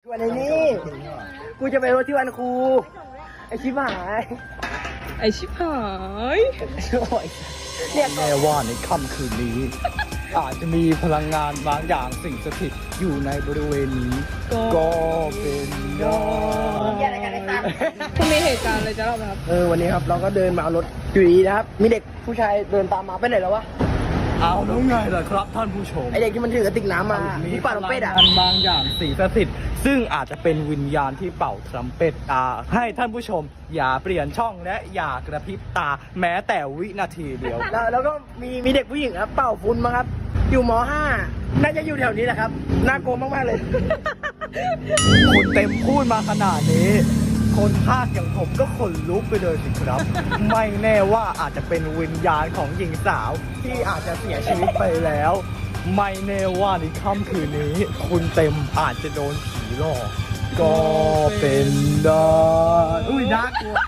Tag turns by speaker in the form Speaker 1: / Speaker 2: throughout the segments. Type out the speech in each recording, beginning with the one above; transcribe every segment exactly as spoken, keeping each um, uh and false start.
Speaker 1: วันนี้กูจะไปรถที่วันครูไอชิบหาย
Speaker 2: ไอชิบหาย
Speaker 1: เนี่ย
Speaker 3: แน่ว่าในค่ำคืนนี้ อาจจะมีพลังงานบางอย่างสิ่งสถิตอยู่ในบริเวณนี้ ก็เป็นได้
Speaker 2: คุณมีเหตุการณ์อะไรจะเล่าไหมครับ
Speaker 1: เออวันนี้ครับเราก็เดินมาเอารถอยู่ดีนะครับมีเด็กผู้ชายเดินตามมาไปไหนแล้ววะ
Speaker 3: เอาแล้วไงล่ะครับท่านผู้ชม
Speaker 1: ไอเด็กที่มันถือกระติกน้ำมา
Speaker 3: มี
Speaker 1: ที่ป่าลมเป็ดอ่ะ
Speaker 3: พลังงานบางอย่างสิ่งสถิตซึ่งอาจจะเป็นวิญญาณที่เป่าทรัมเป็ตอ่าให้ท่านผู้ชมอย่าเปลี่ยนช่องและอย่ากระพริบตาแม้แต่วินาทีเดียว
Speaker 1: แล้วแล้วก็มีมีเด็กผู้หญิงครับเป่าฟุ้นมาครับอยู่ม .ห้า น่าจะอยู่แถวนี้แหละครับน่ากลัวมากๆเลย
Speaker 3: คุณเต็มพูดมาขนาดนี้ คนภาคอย่างผมก็ขนลุกไปเลยสิครับ ไม่แน่ว่าอาจจะเป็นวิญญาณของหญิงสาวที่อาจจะเสียชีวิตไปแล้ว ไม่แน่ว่าในค่ำคืนนี้ คุณเต็มอาจจะโดนผีหลอกก็เป็นได้อุ้ยน่ากลัว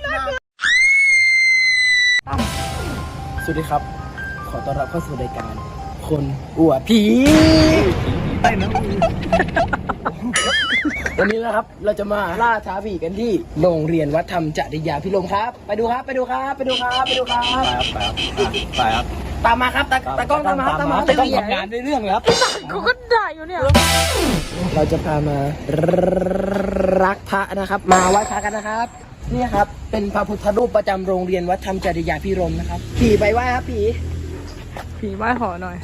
Speaker 1: สวัสดีครับ ขอต้อนรับเข้าสู่รายการคนอวดผี
Speaker 3: ไอ้นะ
Speaker 1: วันนี้นะครับเราจะมาล่าท้าผีกันที่โรงเรียนวัดธรรมจริยาพิรมย์ครับ ไปดูครับไปดูครับไปดูครับไปดูครับ
Speaker 3: ไปครับไปครับ
Speaker 1: ตามมาครับตาตากล้องตามมาครับตามมา
Speaker 3: ตากล้องทำงานในเรื่องแล้ว
Speaker 2: เขาก็ด่าอยู่เนี่ย
Speaker 1: เราจะพามารักพระนะครับ มาไหว้พระกันนะครับนี่ครับเป็นพระพุทธรูปประจำโรงเรียนวัดธรรมจริยาพิรมย์นะครับผีไปไหว้ครับผี
Speaker 2: ผีไหว้ขอหน่อย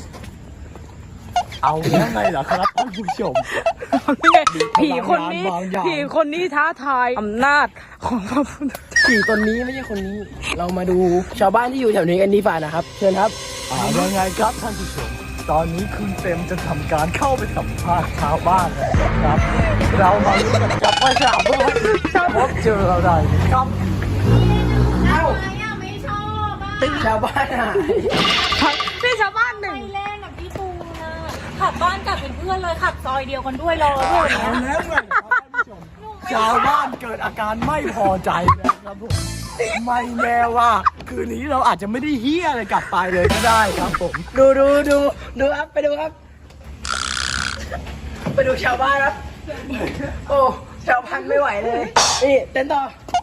Speaker 3: เอาแล้วไงเหรอครับท่านผู้ชม
Speaker 2: ผีคนนี้
Speaker 3: บางอย่าง
Speaker 2: ผีคนนี้ท้าทายอำนาจของพระพุทธ
Speaker 1: ผีตนนี้ไม่ใช่คนนี้ เรามาดูชาวบ้านที่อยู่แถวนี้กันดีฝ่านะครับเชิญครับ
Speaker 3: อ่ายังไงครับท่านผู้ชม ตอนนี้คุณเต็มจะทำการเข้าไปสัมภาษณ์ชาวบ้านแล้วครับ เรามาลุ้นกันกับว่าชาวบ้านจะพบเจออะไรครับ
Speaker 1: เอ้า
Speaker 4: ไม่ชอบอ่ะ
Speaker 1: ชาวบ้านหาย
Speaker 2: นี่ชาวบ้านหนึ่ง
Speaker 4: ไปเล่นกับพี่ปูนะขับบ้านกลับเป็นเพื่อนเลยขับซอยเดียวกันด้วยรอด้วย
Speaker 3: เอาแล้วไงครับท่านผู้ชม ชาวบ้านเกิดอาการไม่พอใจนะครับผม ไม่แน่ว่า คืนนี้เราอาจจะไม่ได้เฮี้ยอะไรกลับไปเลยก็ได้ครับผม
Speaker 1: ดูดูดูดูครับไปดูครับ ไปดูชาวบ้านครับ โอ้ชาวบ้านไม่ไหวเลยนี่เต้นต่อ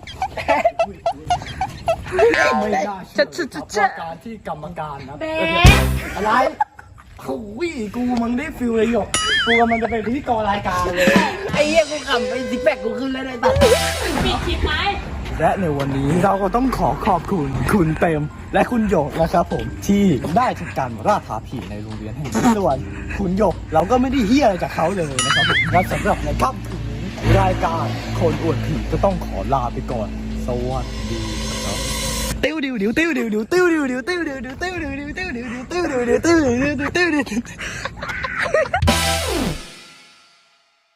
Speaker 3: ไม่น่าเชื่อครับว่าการที่กรรมการนะ
Speaker 4: เบ๊
Speaker 3: อะไรโอ้ยกูมึงได้ฟิลเลยหยกกูกำลังจะเป็นพิธีกรรายการเลย
Speaker 1: ไอ้เหี้ยกูขำไอ้ซิกแพคกูขึ้นแล้วไอ้ตัด
Speaker 4: ปิดคลิปไหม
Speaker 3: และในวันนี้เราก็ต้องขอขอบคุณคุณเต็มและคุณหยกนะครับผมที่ได้ทำการล่าท้าผีในโรงเรียนแห่งนี้ส่วนคุณหยกเราก็ไม่ได้เฮี้ยอะไรจากเขาเลยนะครับผมและสำหรับในค่ำคืนนี้รายการคนอวดผีก็ต้องขอลาไปก่อนสวัสดีครับติ้วดิวดิวติ้วดิวดิวติ้วดิวดิวติ้วดิวดิวติ้วดิวดิวติ้วดิวดิวติ้วดิวดิวติ้วดิวดิวติ้วดิว